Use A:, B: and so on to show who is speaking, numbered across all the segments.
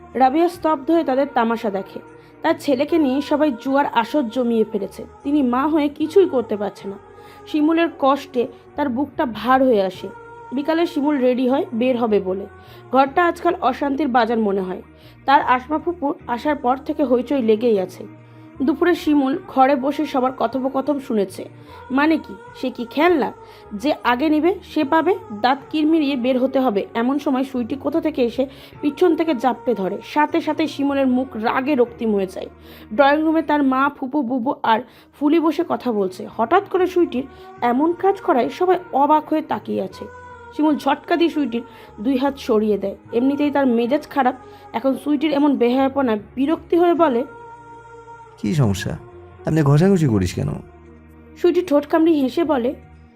A: রাবিয়া স্তব্ধ হয়ে তাদের তামাশা দেখে। তার ছেলেকে নিয়ে সবাই জুয়ার আসর জমিয়ে ফেলেছে, তিনি মা হয়ে কিছুই করতে পারছে না। শিমুলের কষ্টে তার বুকটা ভার হয়ে আসে। বিকালে শিমুল রেডি হয় বের হবে বলে। ঘরটা আজকাল অশান্তির বাজার মনে হয়। তার আসমা ফুপুর আসার পর থেকে হইচই লেগেই আছে। দুপুরে শিমুল ঘরে বসে সবার কথোপকথন শুনেছে। মানে কি, সে কি খেলনা যে আগে নিবে সে পাবে? দাঁত কিরমিরিয়ে বের হতে হবে এমন সময় সুইটি কোথা থেকে এসে পিছন থেকে জাপটে ধরে। সাথে সাথে শিমুলের মুখ রাগে রক্তিম হয়ে যায়। ড্রয়িং রুমে তার মা, ফুপু, বুবু আর ফুলি বসে কথা বলছে। হঠাৎ করে সুইটির এমন কাজ করায় সবাই অবাক হয়ে তাকিয়ে আছে। শিমুল ঝটকা দিয়ে সুইটির 2 হাত সরিয়ে দেয়। এমনিতেই তার মেজাজ খারাপ, এখন সুইটির এমন বেহায়াপনায় বিরক্তি হয়ে বলে,
B: কি সমস্যা? আপনি ঘষাঘষি করিস কেন?
A: সুইটি ঠোঁট কামড়ি হেসে বলে,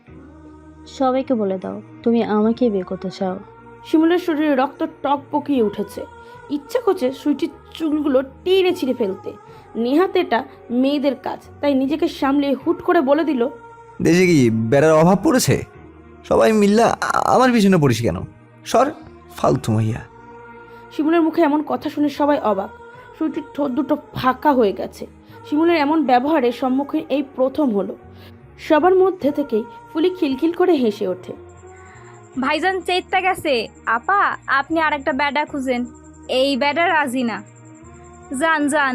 C: সবাইকে বলে দাও তুমি আমাকেই বিয়ে করতে চাও।
A: শিমুলের শরীরে রক্ত টক পকিয়ে উঠেছে। ইচ্ছা করছে সুইটির চুলগুলো টেনে ছিঁড়ে ফেলতে। নেহাত এটা মেয়েদের কাজ, তাই নিজেকে সামলিয়ে হুট করে বলে দিল,
B: দেশে কি বেড়ার অভাব পড়েছে? সবাই মিল্লা আমার পিছনে পড়িস কেন? সর, ফালতু মাইয়া।
A: শিমুলের মুখে এমন কথা শুনে সবাই অবাক। সুইটির ঠোঁট দুটো ফাঁকা হয়ে গেছে। শিমুলের এমন ব্যবহারের সম্মুখীন এই প্রথম হলো। সবার মধ্যে থেকেই ফুলি খিলখিল করে হেসে ওঠে।
D: ভাইজান চেইত্তা গেছে। আপা, আপনি আরেকটা ব্যাডা খুঁজেন, এই ব্যাডা রাজি না। যান যান।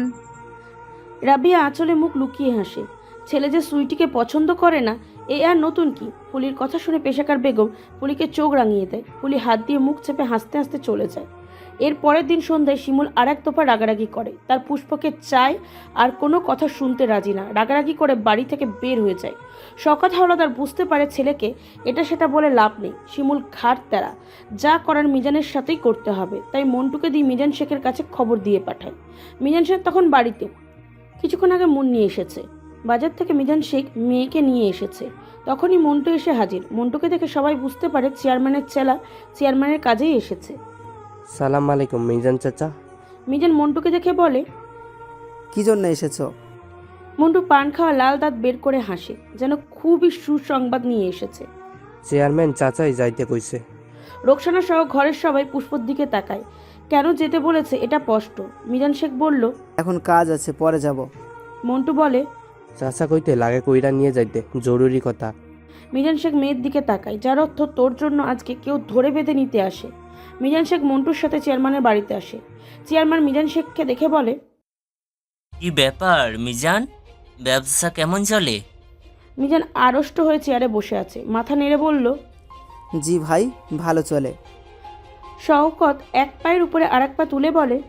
A: রাবিয়া আঁচলে মুখ লুকিয়ে হাসে। ছেলে যে সুইটিকে পছন্দ করে না এ আর নতুন কি? ফুলির কথা শুনে পেশাকার বেগম ফুলিকে চোখ রাঙিয়ে দেয়। ফুলি হাত দিয়ে মুখ চেপে হাসতে হাসতে চলে যায়। এর পরের দিন সন্ধ্যায় শিমুল আর এক তোফা রাগারাগি করে। তার পুষ্পকে চায় আর কোনো কথা শুনতে রাজি না। রাগারাগি করে বাড়ি থেকে বের হয়ে যায়। শওকত হাওলাদার বুঝতে পারে ছেলেকে এটা সেটা বলে লাভ নেই। শিমুল ঘাট তেরা, যা করার মিজানের সাথেই করতে হবে। তাই মন্টুকে দিয়ে মিজান শেখের কাছে খবর দিয়ে পাঠায়। মিজান শেখ তখন বাড়িতে। কিছুক্ষণ আগে মুন্নি এসেছে। বাজার থেকে মিজান শেখ মেয়েকে নিয়ে এসেছে। তখনই মন্টু এসে হাজির। মন্টুকে দেখে সবাই বুঝতে পারে চেয়ারম্যানের চেলা চেয়ারম্যানের কাজেই এসেছে।
E: সালাম আলাইকুম মিজান চাচা।
A: মিজান মন্টুকে দেখে বলে,
F: কি জন্য এসেছো?
A: মন্টু পান খাওয়া লাল দাঁত বের করে হাসে, যেন খুবই সুসংবাদ নিয়ে এসেছে।
E: চেয়ারম্যান চাচাই যাইতে কইছে।
A: রোকসানা সহ ঘরের সবাই পুষ্পর দিকে তাকায়। কেন যেতে বলেছে এটা স্পষ্ট। মিজান শেখ বলল,
F: এখন কাজ আছে, পরে যাব।
A: মন্টু বলে,
E: চাচা কইতে লাগে কইরা নিয়ে যাইতে, জরুরি কথা।
A: মিজান শেখ মেয়ের দিকে তাকায়, যার অর্থ তোর জন্য আজকে কেউ ধরে বেঁধে নিতে আসে। মিজান শেখ মন্টুর সাথে চেয়ারম্যানের বাড়িতে আসে। চেয়ারম্যান মিজান শেখকে দেখে বলে,
G: কি ব্যাপার মিজান, ব্যবসা কেমন চলে?
A: মিজান আড়ষ্ট হয়ে চেয়ারে বসে আছে, মাথা নেড়ে বলল,
F: জি ভাই, ভালো চলে।
A: শওকত এক পায়ের উপরে আরেক পা তুলে বলে,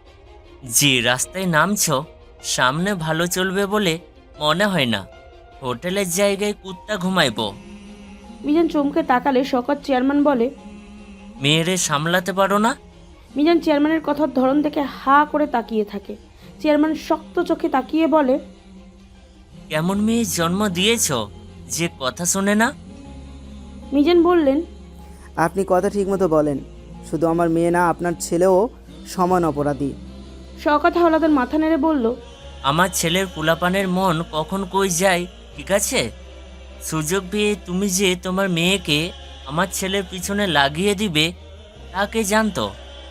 G: যে রাস্তায় নামছো সামনে ভালো চলবে বলে মনে হয় না। হোটেলের জায়গায় কুত্তা ঘুমাইবো।
A: মিজান চমকে তাকালে শওকত চেয়ারম্যান বলে,
G: মেয়েরে সামলাতে পারো না?
A: মিজান চেয়ারম্যানের কথার ধরন দেখে হা করে তাকিয়ে থাকে। চেয়ারম্যান শক্ত চোখে তাকিয়ে বলে,
G: কেমন মেয়ে জন্ম দিয়েছো যে কথা শোনে না?
A: মিজান বললেন,
F: আপনি কথা ঠিকমতো বলেন। শুধু আমার মেয়ে না, আপনার ছেলেও সমান অপরাধী।
A: শওকত হাওলাদার মাথা নেড়ে বলল,
G: আমার ছেলের পোলাপানের মন কখন কই যায় ঠিক আছে। সুযোগ পেয়ে তুমি যে তোমার মেয়েকে আমার ছেলের পিছনে লাগিয়ে দিবে তাকে জানতো?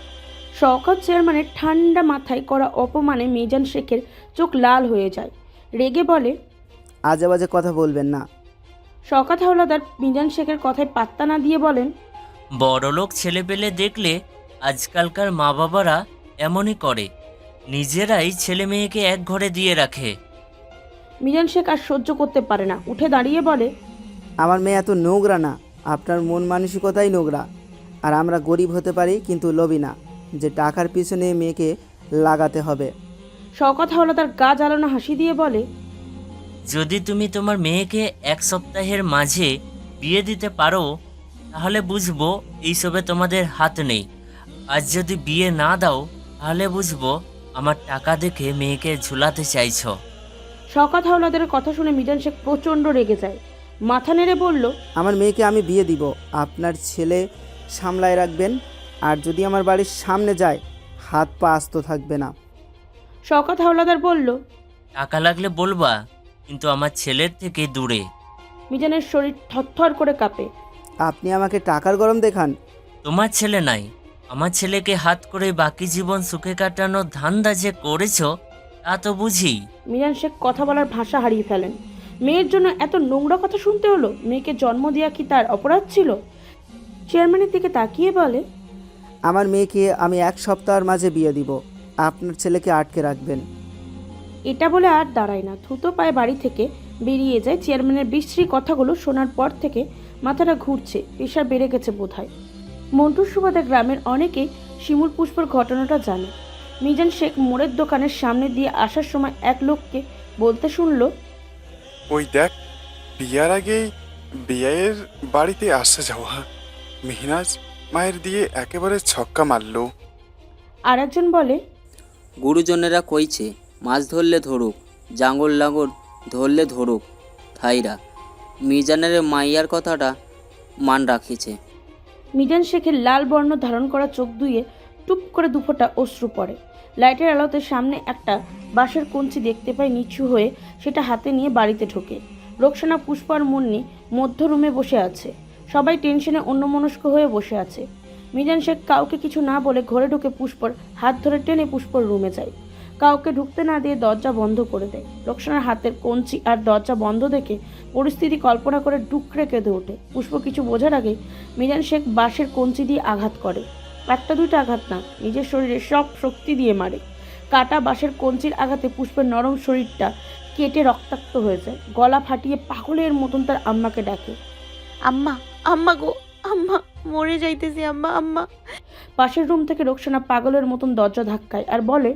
A: শওকত চেয়ারম্যানের ঠান্ডা মাথায় করা অপমানে মিজান শেখের চোখ লাল হয়ে যায়। রেগে বলে,
F: আজে বাজে কথা বলবেন না।
A: শওকত হাওলাদার মিজান শেখের কথায় পাত্তা না দিয়ে বলেন,
G: বড়লোক ছেলে পেলে দেখলে আজকালকার মা বাবারা এমনই করে, নিজেরাই ছেলে মেয়েকে এক ঘরে দিয়ে রাখে।
A: মিজান শেখ আর সহ্য করতে পারে না, উঠে দাঁড়িয়ে বলে,
F: আমার মেয়ে এত নোংরা না, আপনার মন মানসিকতাই নোংরা। আর আমরা গরিব হতে পারি কিন্তু লোভী না, যে টাকার পিছনে মেয়েকে লাগাতে হবে।
A: শওকত হাওলাদার গা জ্বালানো হাসি দিয়ে বলে,
G: যদি তুমি তোমার মেয়েকে 1 সপ্তাহের মাঝে বিয়ে দিতে পারো তাহলে বুঝবো এইসবে তোমাদের হাত নেই। আর যদি বিয়ে না দাও তাহলে বুঝবো আমার টাকা দেখে মেয়েকে ঝুলাতে চাইছো।
A: শওকত হাওলাদারের কথা শুনে মিজান শেখ প্রচণ্ড রেগে যায়। মাথা নেড়ে বলল,
F: আমার মেয়েকে আমি বিয়ে দিব, আপনার ছেলে সামলায় রাখবেন। আর যদি আমার বাড়ির সামনে যায়, হাত পা আস্ত থাকবে না।
A: শওকত হাওলাদার বলল,
G: টাকা লাগলে বলবা, কিন্তু আমার ছেলের থেকে দূরে।
A: মিজানের শরীর থরথর করে কাঁপে।
F: আপনি আমাকে টাকার গরম দেখান?
G: তোমার ছেলে নাই, আমার ছেলেকে হাত করে বাকি জীবন সুখে কাটানোর ধান্দা যে করেছো তা তো বুঝি।
A: মিজান শেখ কথা বলার ভাষা হারিয়ে ফেলেন। মেয়ের জন্য এত নোংরা কথা শুনতে হলো? মেয়েকে জন্ম দেওয়া কি তার অপরাধ ছিল? চেয়ারম্যানের দিকে তাকিয়ে বলে,
F: আমার মেয়েকে আমি 1 সপ্তাহের মাঝে বিয়ে দিব, আপনার ছেলেকে আটকে রাখবেন।
A: এটা বলে আর দাঁড়ায় না, থুতো পায়ে বাড়ি থেকে বেরিয়ে যায়। চেয়ারম্যানের বিশ্রী কথাগুলো শোনার পর থেকে মাথাটা ঘুরছে, প্রেশার বেড়ে গেছে বোধহয়। মন্টুর সুবাদে গ্রামের অনেকেই শিমুল পুষ্পর ঘটনাটা জানে। মিজান শেখ মোড়ের দোকানের সামনে দিয়ে আসার সময় এক লোককে বলতে শুনল,
H: ওই দেখ, বিয়ার আগেই বিয়ের বাড়িতে আসা যাওয়া মেহনাজ মায়ের দিয়ে একেবারে ছক্কা মারলো।
A: আর একজন বলে,
I: গুরুজনেরা কইছে মাছ ধরলে ধরুক, জাঙ্গল লাঙ্গল ধরলে ধরুক, থাইরা মিজানের মাইয়ার কথাটা মান রাখিছে।
A: মিজান শেখের লাল বর্ণ ধারণ করা চোখ দুইয়ে টুপ করে দুফোঁটা অশ্রু পড়ে। লাইটের আলোতে সামনে একটা বাঁশের কঞ্চি দেখতে পায়, নিচু হয়ে সেটা হাতে নিয়ে বাড়িতে ঢোকে। রোকসানা, পুষ্প আর মুন্নি মধ্য রুমে বসে আছে। সবাই টেনশনে অন্যমনস্ক হয়ে বসে আছে। মিজান শেখ কাউকে কিছু না বলে ঘরে ঢুকে পুষ্পর হাত ধরে টেনে পুষ্পর রুমে যায়। কাউকে ঢুকতে না দিয়ে দরজা বন্ধ করে দেয়। রোকসানার হাতের কঞ্চি আর দরজা বন্ধ দেখে পরিস্থিতি কল্পনা করে ডুকরে কেঁদে ওঠে। পুষ্প কিছু বোঝার আগে মিজান শেখ বাঁশের কঞ্চি দিয়ে আঘাত করে। একটা দুইটা আঘাত না, নিজের শরীরে সব শক্তি দিয়ে মারে। কাটা বাঁশের কঞ্চির আঘাতে পুষ্পের নরম শরীরটা কেটে রক্তাক্ত হয়ে যায়। গলা ফাটিয়ে পাগলের মতন তার আম্মাকে ডাকে।
J: আম্মা, আম্মা গো, আম্মা মরে যাইতেছি, আম্মা, আম্মা।
A: পাশের রুম থেকে রোকসানা পাগলের মতন দরজা ধাক্কায় আর বলে,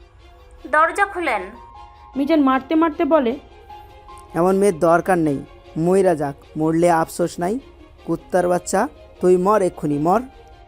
K: দরজা খুলেন।
A: মিজান মারতে মারতে বলে,
F: এমন মেয়ের দরকার নেই, মইরা যাক, মরলে আফসোস নাই। কুত্তার বাচ্চা, তুই মর, এক্ষুনি মর।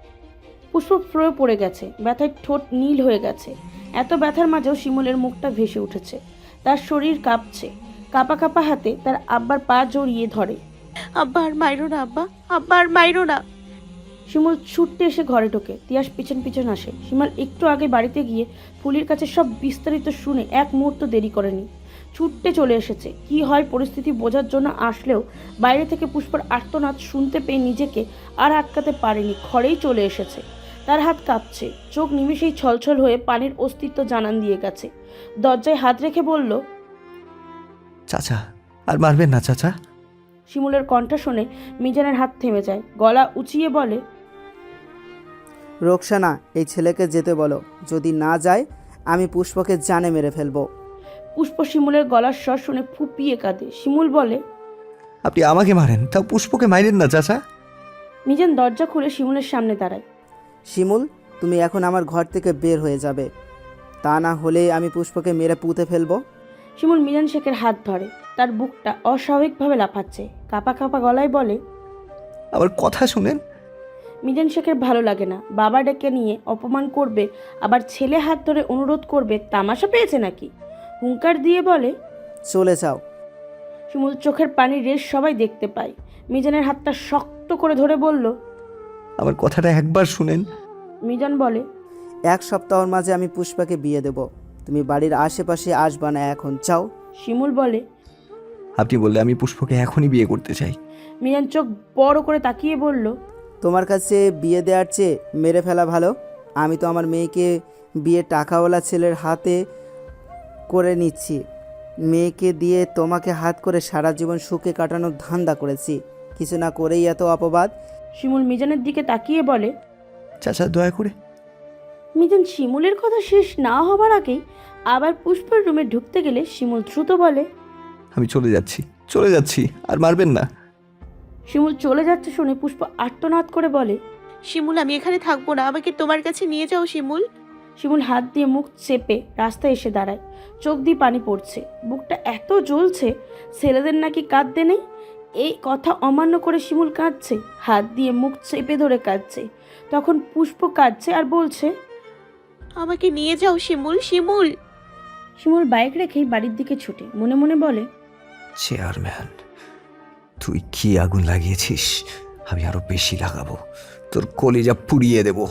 A: পুষ্প ফ্রয়ে পড়ে গেছে, ব্যথায় ঠোঁট নীল হয়ে গেছে। এত ব্যথার মাঝেও শিমুলের মুখটা ভেসে উঠেছে। তার শরীর কাঁপছে। কাঁপা কাঁপা হাতে তার আব্বার পা জড়িয়ে ধরে।
J: আব্বা আর মাইরো না, আব্বা, আব্বা আর মাইরো না।
A: শিমুল ছুটতে এসে ঘরে ঢোকে। তিয়াস পিছন পিছন আসে। শিমুল একটু আগে বাড়িতে গিয়ে ফুলির কাছে সব বিস্তারিত শুনে এক মুহূর্ত দেরি করেনি, ছুটতে চলে এসেছে। কি হয় পরিস্থিতি বোঝার জন্য আসলেও বাইরে থেকে পুষ্পর আর্তনাদ শুনতে পেয়ে নিজেকে আর আটকাতে পারেনি, ঘরেই চলে এসেছে। তার হাত কাঁপছে, চোখ নিমেষেই ছলছল হয়ে পানির অস্তিত্ব জানান দিয়ে গেছে। দরজায় হাত রেখে বলল,
B: চাচা, আর মারবেন না চাচা।
A: শিমুলের কণ্ঠ শুনে মিজানের হাত থেমে যায়। গলা উঁচিয়ে বলে,
F: রোকসানা, এই ছেলেকে যেতে বলো, যদি না যায় আমি পুষ্পকে জানে মেরে ফেলবো।
A: পুষ্প শিমুলের গলার স্বর শুনে ফুপিয়ে কাঁদে। শিমুল বলে,
B: আপনি আমাকে মারেন, তাও পুষ্পকে মাইরেন না চাচা।
A: মিজান দরজা খুলে শিমুলের সামনে দাঁড়ায়।
F: শিমুল, তুমি এখন আমার ঘর থেকে বের হয়ে যাবে, তা না হলে আমি পুষ্পকে মেরে পুঁতে ফেলবো।
A: শিমুল মিজান শেখের হাত ধরে। তার বুকটা অস্বাভাবিকভাবে লাফাচ্ছে। কাঁপা কাঁপা গলায় বলে,
B: আমার কথা শুনেন।
A: মিজান শেখের ভালো লাগে না। বাবা ডেকে নিয়ে অপমান করবে, আবার ছেলে হাত ধরে অনুরোধ করবে, তামাশা পেয়েছে নাকি? হুঙ্কার দিয়ে বলে,
F: চলে যাও।
A: শিমুল চোখের পানির রেশ সবাই দেখতে পায়। মিজানের হাতটা শক্ত করে ধরে বলল,
B: আমার কথাটা একবার শুনেন।
A: মিজান বলে,
F: 1 সপ্তাহের মাঝে আমি পুষ্পাকে বিয়ে দেব, তুমি বাড়ির আশেপাশে আসবা না, এখন চাও।
A: শিমুল বলে,
B: আপনি বললে আমি পুষ্পকে এখনই বিয়ে করতে চাই।
A: মিজান চোখ বড় করে তাকিয়ে বলল,
F: তোমার কাছে বিয়ে দেওয়ার চেয়ে মেরে ফেলা ভালো। আমি তো আমার মেয়েকে বিয়ে টাকাওয়ালা ছেলের হাতে করে নিচ্ছি। মেয়েকে দিয়ে তোমাকে হাত করে সারা জীবন সুখে কাটানোর ধান্দা করেছি, কিছু না করেই এত অপবাদ।
A: শিমুল মিজানের দিকে তাকিয়ে বলে,
B: চাচা দয়া করে।
A: মিজান শিমুলের কথা শেষ না হবার আগেই আবার পুষ্পের রুমে ঢুকতে গেলে শিমুল দ্রুত বলে,
B: আমি চলে যাচ্ছি, আর মারবেন না।
A: শিমুল চলে যাচ্ছে শুনে পুষ্প আর্তনাদ করে বলে,
J: শিমুল, আমি এখানে থাকবো না, আমাকে তোমার কাছে নিয়ে যাও শিমুল।
A: শিমুল হাত দিয়ে মুখ চেপে রাস্তায় এসে দাঁড়ায়। চোখ দিয়ে পানি পড়ছে, বুকটা এত জ্বলছে। ছেলেদের নাকি কাঁদতে নেই, এই কথা অমান্য করে শিমুল কাঁদছে, হাত দিয়ে মুখ চেপে ধরে কাঁদছে। তখন পুষ্প কাঁদছে আর বলছে,
J: আমাকে নিয়ে যাও শিমুল, শিমুল।
A: শিমুল বাইক রেখেই বাড়ির দিকে ছুটে মনে মনে বলে,
B: চেয়ারম্যান, তুই কি আগুন লাগিয়েছিস, আমি আরো বেশি লাগাবো, তোর কলিজা পুড়িয়ে দেব।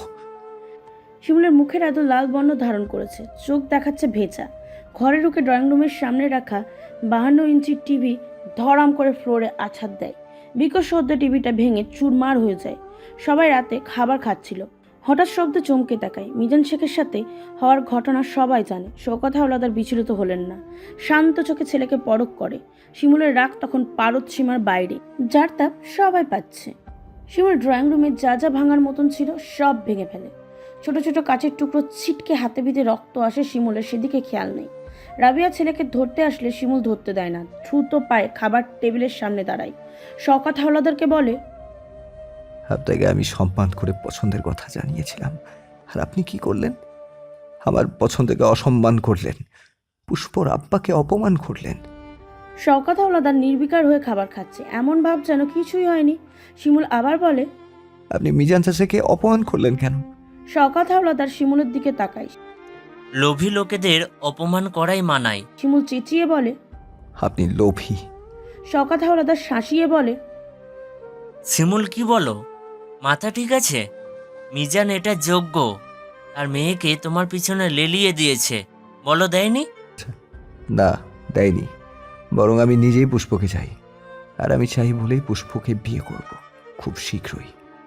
A: শিমুলের মুখের এত লাল বর্ণ ধারণ করেছে, চোখ দেখাচ্ছে ভেজা। ঘরে ঢুকে ড্রয়িং রুমের সামনে রাখা 52 ইঞ্চির টিভি ধরাম করে ফ্লোরে আছাড় দেয়। বিকট শব্দে টিভিটা ভেঙে চুরমার হয়ে যায়। সবাই রাতে খাবার খাচ্ছিল। হঠাৎ শব্দে চমকে তাকায়। মিজান শেখের সাথে হওয়ার ঘটনা সবাই জানে। শওকত হাওলাদার বিচলিত হলেন না, শান্ত চোখে ছেলেকে পরখ করে। শিমুলের রাগ তখন পারদ সীমার বাইরে, যার তাপ সবাই পাচ্ছে। শিমুল ড্রয়িং রুমে যা যা ভাঙার মতন ছিল সব ভেঙে ফেলে। ছোট ছোট কাচের টুকরো ছিটকে হাতে বিঁধে রক্ত আসে শিমুলের, সেদিকে খেয়াল নেই। রাবিয়া ছেলেকে ধরতে আসলে শিমুল ধরতে দেয় না, দ্রুত পায়ে খাবার টেবিলের সামনে দাঁড়ায়। শওকত হাওলাদারকে বলে,
B: আপনাকে আমি সম্মান করে পছন্দের কথা জানিয়েছিলাম, আর আপনি কি করলেন? আমার পছন্দকে অসম্মান করলেন, পুষ্পর আব্বাকে অপমান করলেন।
A: শওকত হাওলাদার নির্বিকার হয়ে খাবার খাচ্ছে, এমন ভাব যেন কিছুই হয়নি। শিমুল আবার বলে,
B: আপনি মিজান চাচাকে অপমান করলেন কেন?
A: শওকত হাওলাদার শিমুলের দিকে তাকায়।
G: লোভী লোকেদের অপমান করাই মানায়।
A: শিমুল চেঁচিয়ে বলে,
B: আপনি লোভী।
A: শওকত হাওলাদার শাসিয়ে বলে,
G: শিমুল, কি বলো? মাথা ঠিক আছে? মিজান এটা যোগ্য। তার মেয়েকে তোমার পিছনে লেলিয়ে দিয়েছে, বলো দেয়নি?
B: না, দেয়নি। বরং আমি নিজেই পুষ্পকে চাই, আর আমি চাই বলেই পুষ্পকে বিয়ে করব, খুব শীঘ্রই।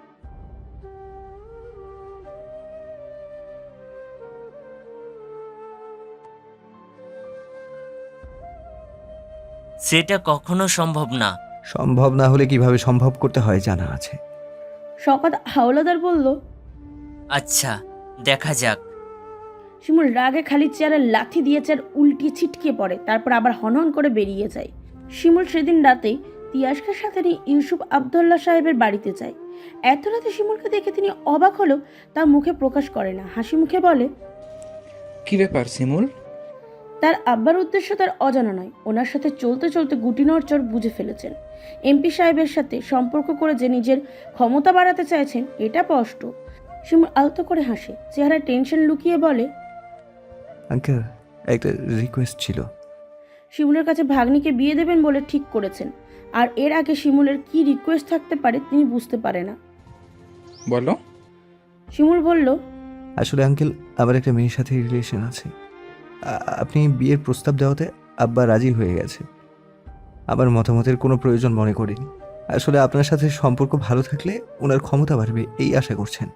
G: সেটা কখনো সম্ভব না।
B: সম্ভব না হলে কিভাবে সম্ভব করতে হয় জানা আছে।
A: শওকত হাওলাদার বলল,
G: আচ্ছা, দেখা যাক।
A: শিমুল রাগে খালি চেয়ারে লাথি দিয়ে চেয়ার উল্টিয়ে ছিটকে পড়ে, তারপর আবার হনহন করে বেরিয়ে যায়। শিমুল সেদিন রাতেই তিয়াসকে সাথে নিয়ে ইউসুফ আবদুল্লাহ সাহেবের বাড়িতে যায়। এত রাতে শিমুলকে দেখে তিনি অবাক হলেও তা মুখে প্রকাশ করে না, হাসি মুখে বলে,
L: কি ব্যাপার শিমুল?
A: তার আব্বার উদ্দেশ্য তার অজানা নয়। ওনার সাথে চলতে চলতে গুটি নড়চড় বুঝে ফেলেছেন। এমপি সাহেবের সাথে সম্পর্ক করে যে নিজের ক্ষমতা বাড়াতে চাইছেন এটা স্পষ্ট। শিমুল আলতো করে হাসে, চেহারায় টেনশন লুকিয়ে বলে,
B: আঙ্কেল, একটা রিকোয়েস্ট ছিল।
A: শিমুলের কাছে ভাগ্নিকে বিয়ে দেবেন বলে ঠিক করেছেন, আর এর আগে শিমুলের কি রিকোয়েস্ট থাকতে পারে তিনি বুঝতে পারে না।
L: বলো।
A: শিমুল বলল,
B: আসলে আঙ্কেল, আমার একটা মেয়ের সাথে রিলেশন আছে। আপনি বিয়ের প্রস্তাব দেওয়াতে আব্বা রাজি হয়ে গেছে। আমার মতামতের কোনো প্রয়োজন মনে করিনি। আসলে আপনার সাথে সম্পর্ক ভালো থাকলে ওনার ক্ষমতা বাড়বে, এই আশা করছেন।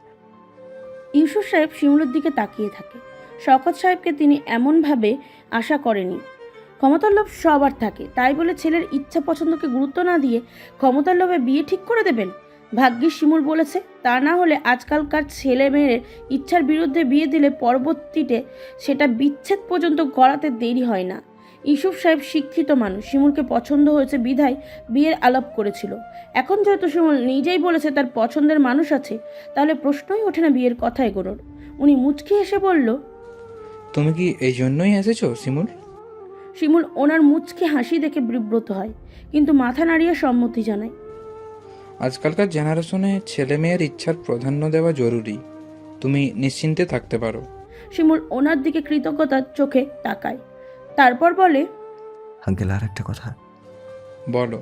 A: ইউসুফ সাহেব শিমুলের দিকে তাকিয়ে থাকে। শওকত সাহেবকে তিনি এমনভাবে আশা করেনি। ক্ষমতার লোভ সবার থাকে, তাই বলে ছেলের ইচ্ছা পছন্দকে গুরুত্ব না দিয়ে ক্ষমতার লোভে বিয়ে ঠিক করে দেবেন? ভাগ্যিস শিমুল বলেছে, তা না হলে আজকালকার ছেলে মেয়ের ইচ্ছার বিরুদ্ধে বিয়ে দিলে পরবর্তীতে সেটা বিচ্ছেদ পর্যন্ত গড়াতে দেরি হয় না। ইউসুফ সাহেব শিক্ষিত মানুষ, শিমুলকে পছন্দ হয়েছে বিধায় বিয়ের আলাপ করেছিল। এখন যেহেতু শিমুল নিজেই বলেছে তার পছন্দের মানুষ আছে, তাহলে প্রশ্নই ওঠে না বিয়ের কথা এগোনোর। উনি মুচকি হেসে বলল,
L: তুমি কি এই জন্যই এসেছো শিমুল?
A: শিমুল ওনার মুচকি হাসি দেখে বিব্রত হয়, কিন্তু মাথা নাড়িয়ে সম্মতি জানায়।
L: আজকালকার জেনারেশনে ছেলে মেয়ের ইচ্ছার প্রাধান্য দেওয়া জরুরি। তুমি নিশ্চিন্তে থাকতে পারো।
A: শিমুল ওনার দিকে কৃতজ্ঞতার চোখে তাকায়, তারপর বলে,
B: আঙ্কেল, আর একটা কথা।
L: বলো।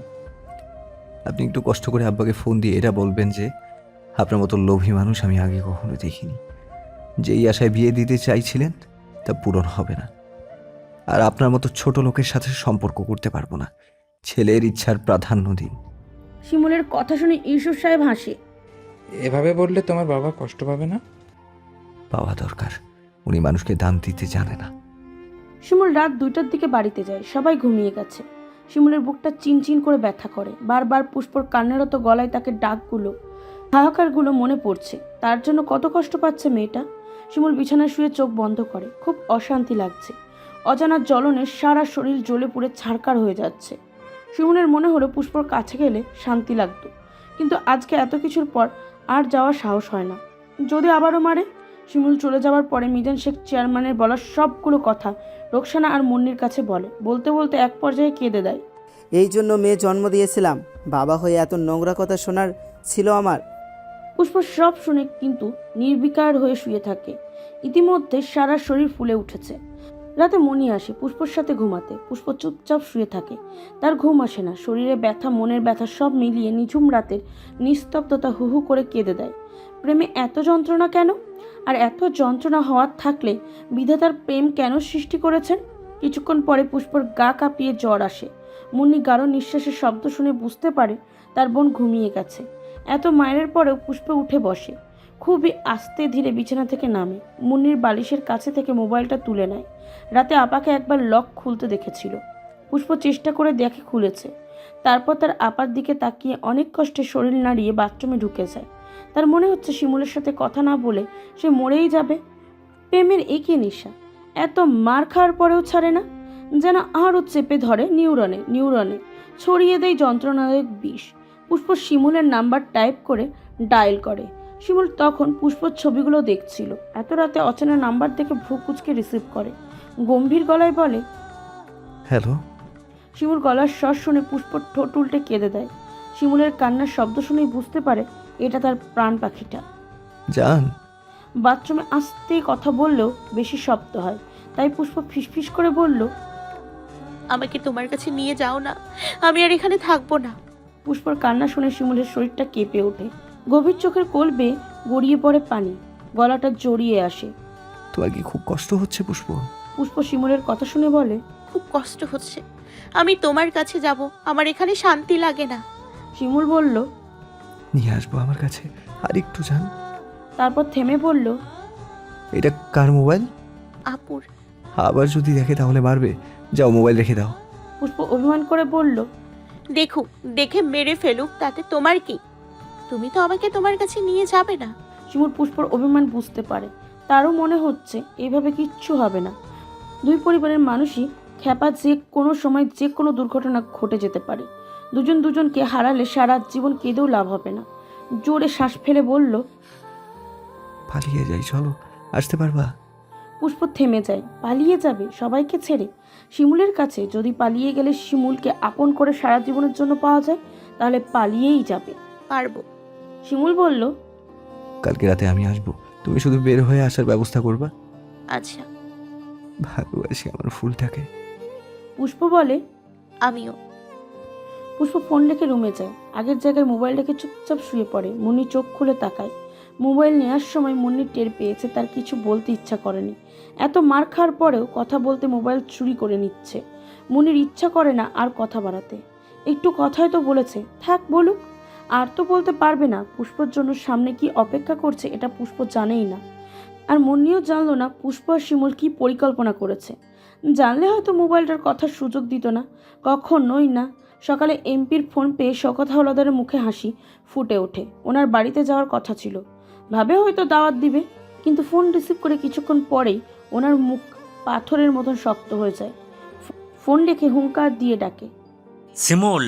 B: আপনি একটু কষ্ট করে আব্বাকে ফোন দিয়ে এটা বলবেন যে আপনার মতো লোভী মানুষ আমি আগে কখনো দেখিনি। যেই আশায় বিয়ে দিতে চাইছিলেন তা পূরণ হবে না, আর আপনার মতো ছোট লোকের সাথে সম্পর্ক করতে পারবো না। ছেলের ইচ্ছার প্রাধান্য দিন।
A: শিমুলের কথা শুনে ইউসুফ সাহেব হাসে।
L: এভাবে বললে তোমার বাবা কষ্ট পাবে না?
B: পাওয়া দরকার, উনি মানুষকে দান দিতে জানে না।
A: শিমুল রাত 2টার দিকে বাড়িতে যায়, সবাই ঘুমিয়ে গেছে। শিমুলের বুকটা চিনচিন করে ব্যথা করে, বারবার পুষ্পর কান্নারত গলায় তাকে ডাকগুলো, হাহাকারগুলো মনে পড়ছে। তার জন্য কত কষ্ট পাচ্ছে মেয়েটা। শিমুল বিছানায় শুয়ে চোখ বন্ধ করে, খুব অশান্তি লাগছে। অজানা জ্বলনে সারা শরীর জ্বলে পুড়ে ছারকার হয়ে যাচ্ছে। শিমুলের মনে হলো পুষ্পর কাছে গেলে শান্তি লাগতো, কিন্তু আজকে এত কিছুর পর আর যাওয়ার সাহস হয় না। যদি আবারও মারে? শিমুল চলে যাওয়ার পরে মিজান শেখ চেয়ারম্যানের বলা সবগুলো কথা রোকসানা আর মুন্নির কাছে বলে, বলতে বলতে এক পর্যায়ে কেঁদে দেয়।
F: এই জন্য মেয়ে জন্ম দিয়েছিলাম, বাবা হয়ে এত নোংরা কথা শোনার ছিল আমার?
A: পুষ্প সব শুনে কিন্তু নির্বিকার হয়ে শুয়ে থাকে। ইতিমধ্যে সারা শরীর ফুলে উঠেছে। রাতে মনি আসে পুষ্পর সাথে ঘুমাতে। পুষ্প চুপচাপ শুয়ে থাকে, তার ঘুম আসে না। শরীরে ব্যথা, মনের ব্যথা সব মিলিয়ে নিঝুম রাতের নিস্তব্ধতা হুহু করে কেঁদে দেয়। প্রেমে এত যন্ত্রণা কেন? আর এত যন্ত্রণা হওয়ার থাকলে বিধাতার প্রেম কেন সৃষ্টি করেছেন? কিছুক্ষণ পরে পুষ্পর গা কাঁপিয়ে জ্বর আসে। মুন্নি গাঢ় নিঃশ্বাসের শব্দ শুনে বুঝতে পারে তার বোন ঘুমিয়ে গেছে। এত মায়ের পরেও পুষ্প উঠে বসে। খুবই আস্তে ধীরে বিছানা থেকে নামে। মুন্নির বালিশের কাছে থেকে মোবাইলটা তুলে নেয়। রাতে আপাকে একবার লক খুলতে দেখেছিল। পুষ্প চেষ্টা করে দেখে খুলেছে। তারপর তার আপার দিকে তাকিয়ে অনেক কষ্টে শরীর নাড়িয়ে বাথরুমে ঢুকে যায়। তার মনে হচ্ছে শিমুলের সাথে কথা না বলে সে মরেই যাবে। প্রেমের একই নেশা, এত মার খাওয়ার পরেও ছাড়ে না, যেন আরও চেপে ধরে নিউরনে ছড়িয়ে দেয় যন্ত্রণাদায়ক বিষ। পুষ্প শিমুলের নাম্বার টাইপ করে ডায়াল করে। শিমুল তখন পুষ্পর ছবিগুলো দেখছিল। এত রাতে অচেনা নাম্বার থেকে ভ্রু কুচকে রিসিভ করে, গম্ভীর গলায় বলে,
B: হ্যালো।
A: শিমুল গলার স্বর শুনে পুষ্পর ঠোঁট উল্টে কেঁদে দেয়। শিমুলের কান্নার শব্দ শুনেই বুঝতে পারে এটা তার প্রাণ পাখিটা।
B: জান।
A: বাথরুমে আস্তে কথা বললেও বেশি শব্দ হয়, তাই পুষ্প ফিসফিস করে বলল,
J: আমাকে তোমার কাছে নিয়ে যাও না, আমি আর এখানে থাকবো না।
A: পুষ্পর কান্না শুনে শিমুলের শরীরটা কেঁপে ওঠে। গভীর চোখের কোল বেয়ে গড়িয়ে পড়ে পানি, গলাটা জড়িয়ে আসে।
B: তোমার কি খুব কষ্ট হচ্ছে পুষ্প?
A: পুষ্প শিমুলের কথা শুনে বলে,
J: খুব কষ্ট হচ্ছে, আমি তোমার কাছে যাব, আমার এখানে শান্তি লাগে না।
A: শিমুল বলল,
B: নিয়ে আসবো আমার কাছে, আর একটু যান।
A: তারপর থেমে বলল,
B: এটা কার মোবাইল?
J: আপুর।
B: আবার যদি দেখে তাহলে মারবে, যাও মোবাইল রেখে দাও।
A: পুষ্প অভিমান করে বলল,
J: দেখুক, দেখে মেরে ফেলুক, তাতে তোমার কি? তুমি তো আমাকে তোমার কাছে নিয়ে যাবে না।
A: শিমুল পুষ্পর অভিমান বুঝতে পারে। তারও মনে হচ্ছে এইভাবে কিচ্ছু হবে না। দুই পরিবারের মানুষই খ্যাপা, যে কোনো সময় যে কোনো দুর্ঘটনা ঘটে যেতে পারে। দুজনকে হারালে সারা জীবন কেঁদেও লাভ হবে না। জোরে শ্বাস ফেলে বলল,
B: পালিয়ে যাই, চলো, আসতে পারবা?
A: পুষ্প থেমে যায়। পালিয়ে যাবে সবাইকে ছেড়ে? শিমুলের কাছে যদি পালিয়ে গেলে শিমুলকে আপন করে সারা জীবনের জন্য পাওয়া যায়, তাহলে পালিয়েই যাবে।
J: পারবো।
A: শিমুল বলল,
B: কালকে রাতে আমি আসবো, তুমি শুধু বের হয়ে আসার ব্যবস্থা করবা।
J: আচ্ছা।
B: ভালোবাসি আমার ফুলটাকে।
A: পুষ্প বলে,
J: আমিও।
A: পুষ্প ফোন রেখে রুমে যায়। আগের জায়গায় মোবাইল রেখে চুপচাপ শুয়ে পড়ে। মুন্নি চোখ খুলে তাকায়। মোবাইল নেওয়ার সময় মুন্নি টের পেয়েছে তার কিছু বলতে ইচ্ছা করেনি। এত মার খাওয়ার পরেও কথা বলতে মোবাইল চুরি করে নিচ্ছে। মুন্নির ইচ্ছা করে না আর কথা বাড়াতে। একটু কথাই তো বলেছে, থাক বলুক। আর তো বলতে পারবে না পুষ্পর জন্য সামনে কি অপেক্ষা করছে, এটা পুষ্প জানেই না। আর মুন্নিও জানলো না পুষ্প আর শিমুল কি পরিকল্পনা করেছে। জানলে হয়তো মোবাইলটার কথার সুযোগ দিত না, কখনোই না। সকালে এমপির ফোন পেয়ে শওকত হাওলাদারের মুখে হাসি ফুটে ওঠে। ওনার বাড়িতে যাওয়ার কথা ছিল, ভাবে হয়তো দাওয়াত দিবে, কিন্তু ফোন রিসিভ করে কিছুক্ষণ পরেই ওনার মুখ পাথরের মতন শক্ত হয়ে যায়। ফোন রেখে হুঙ্কার দিয়ে ডাকে,
G: শিমুল।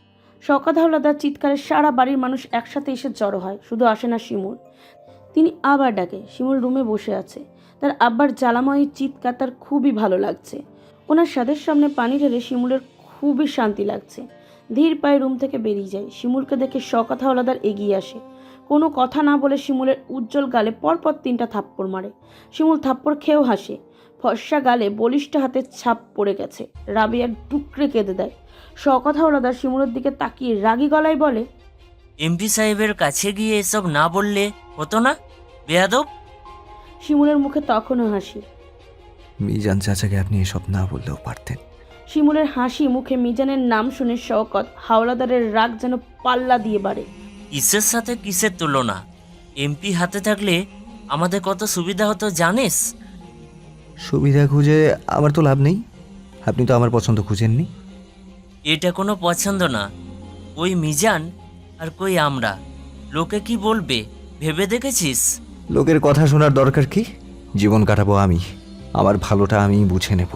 A: শওকত হাওলাদার চিৎকারে সারা বাড়ির মানুষ একসাথে এসে জড়ো হয়। শুধু আসে না শিমুল। তিনি আবার ডাকে। শিমুল রুমে বসে আছে। তার আব্বার জ্বালাময়ী চিৎকার তার খুবই ভালো লাগছে। ওনার স্বাদের সামনে পানি ঢেলে শিমুলের খুবই শান্তি লাগছে। ধীর পায়ে রুম থেকে বেরিয়ে যায়। শিমুলকে দেখে শওকত হাওলাদার এগিয়ে আসে। কোনো কথা না বলে শিমুলের উজ্জ্বল গালে পরপর 3টা থাপ্পড় মারে। শিমুল থাপ্পড় খেয়েও হাসে। ফর্সা গালে বলিষ্ঠ হাতের ছাপ পড়ে গেছে। রাবিয়া টুকরে কেঁদে দেয়। শওকত হাওলাদার শিমুলের দিকে তাকিয়ে রাগী গলায় বলে,
G: এমপি সাহেবের কাছে গিয়ে এসব না বললে হতো না, বেয়াদব?
A: শিমুলের মুখে তখনও হাসি।
B: মিজান চাচাকে আপনি এসব না বললেও পারতেন।
A: শিমুলের হাসি মুখে মিজানের নাম শুনে শওকত হাওলাদারের রাগ যেন পাল্লা দিয়ে বাড়ে।
G: কিসের সাথে কিসের তুলনা? এমপি হাতে থাকলে আমাদের কত সুবিধা হতো জানিস?
B: সুবিধা খুঁজে আমার তো লাভ নেই, আপনি তো আমার পছন্দ খুঁজেননি।
G: এটা কোনো পছন্দ না। ওই মিজান আর কই আমরা, লোকে কি বলবে ভেবে দেখেছিস?
B: লোকের কথা শোনার দরকার কি? জীবন কাটাবো আমি, আমার ভালোটা আমি বুঝে নেব।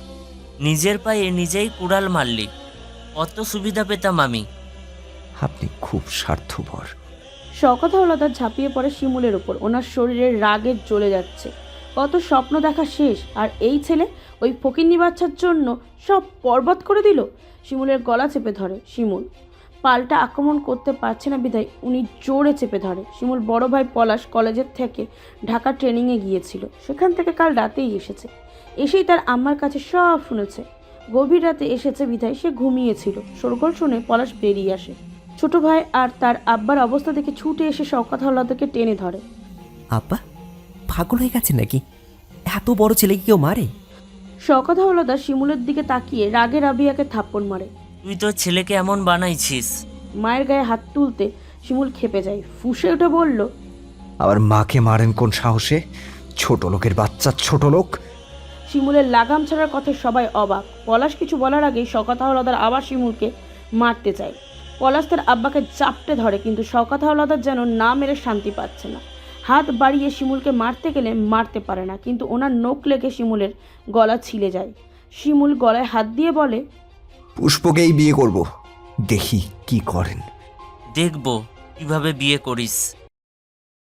G: নিজের পায়ে নিজেই কুড়াল মারলি, কত সুবিধা পেতাম আমি।
B: আপনি খুব স্বার্থপর।
A: শওকত হাওলাদার ঝাঁপিয়ে পড়ে শিমুলের ওপর। ওনার শরীরে রাগে জ্বলে যাচ্ছে। কত স্বপ্ন দেখা শেষ, আর এই ছেলে ওই ফকিন্নি বাচ্চার জন্য সব বরবাদ করে দিল। শিমুলের গলা চেপে ধরে শিমুল। পাল্টা আক্রমণ করতে পারছে না বিধায় উনি জোরে চেপে ধরে। শিমুল বড় ভাই পলাশ কলেজের থেকে ঢাকা ট্রেনিংয়ে গিয়েছিল, সেখান থেকে কাল রাতেই এসেছে। এসেই তার আম্মার কাছে সব শুনেছে। গভীর রাতে এসেছে বিধায় সে ঘুমিয়েছিল। শোরগোল শুনে পলাশ বেরিয়ে আসে। ছোট ভাই আর তার আব্বার অবস্থা দেখে ছুটে এসে শওকত হাওলাদারকে টেনে ধরে।
M: আব্বা পাগল হয়ে গেছে নাকি? এত বড় ছেলেকে কেউ মারে?
A: শওকত হাওলাদার শিমুলের দিকে তাকিয়ে রাগে রাবিয়াকে থাপ্পড় মারে।
G: তুই তোর ছেলেকে এমন বানাইছিস?
A: মায়ের গায়ে হাত তুলতে শিমুল খেপে যায়। ফুঁসে উঠে বলল,
B: আবার মাকে মারেন কোন সাহসে? ছোট লোকের বাচ্চা, ছোট লোক।
A: শিমুলের লাগাম ছাড়ার কথায় সবাই অবাক। পলাশ কিছু বলার আগেই শওকত হাওলাদার আবার শিমুলকে মারতে চায়। পলাশ তার আব্বাকে চাপটে ধরে, কিন্তু শওকত হাওলাদার যেন না মেরে শান্তি পাচ্ছে না। হাত বাড়িয়ে শিমুলকে মারতে গেলে মারতে পারে না, কিন্তু ওনার নখ লেগে শিমুলের গলা ছিলে যায়। শিমুল গলায় হাত দিয়ে বলে,
B: পুষ্পকেই বিয়ে করব, দেখি কি করেন।
G: দেখব কিভাবে বিয়ে করিস।